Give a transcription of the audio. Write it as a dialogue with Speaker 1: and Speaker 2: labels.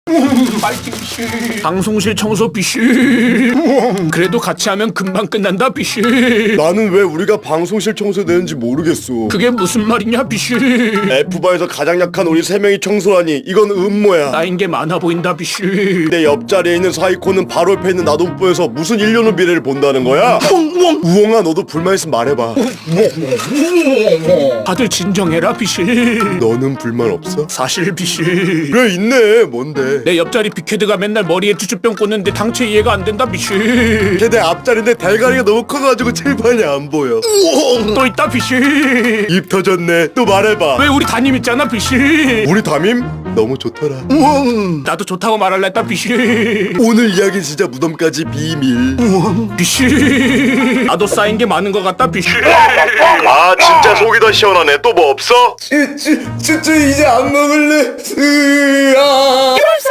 Speaker 1: 파이팅 비슈. 방송실 청소 비슈. 그래도 같이 하면 금방 끝난다 비슈.
Speaker 2: 나는 왜 우리가 방송실 청소되는지 모르겠어.
Speaker 1: 그게 무슨 말이냐 비슈.
Speaker 2: F바에서 가장 약한 우리 3명이 청소라니 이건 음모야.
Speaker 1: 쌓인 게 많아 보인다 비슈.
Speaker 2: 내 옆자리에 있는 사이코는 바로 옆에 있는 나도 못 보여서 무슨 1년 후 미래를 본다는 거야? 우엉아 너도 불만 있으면 말해봐.
Speaker 1: 다들 진정해라 비슈.
Speaker 2: 너는 불만 없어?
Speaker 1: 사실 비슈.
Speaker 2: 그래 있네. 뭔데?
Speaker 1: 내 옆자리 빅헤드가 맨날 머리에 쭈쭈병 꽂는데 당최 이해가 안 된다 비슈.
Speaker 2: 걔 내 앞자리인데 대가리가 너무 커가지고 칠판이 안 보여.
Speaker 1: 또 있다 비슈.
Speaker 2: 입 터졌네. 또 말해봐.
Speaker 1: 왜 우리 담임 있잖아 비슈.
Speaker 2: 우리 담임? 너무 좋더라.
Speaker 1: 나도 좋다고 말할라 했다 비슈.
Speaker 2: 오늘 이야기 진짜 무덤까지 비밀.
Speaker 1: 비슈. 나도 쌓인 게 많은 것 같다 비슈.
Speaker 2: 아 진짜 속이 더 시원하네. 또 뭐 없어? 쭈쭈 이제 안 먹을래.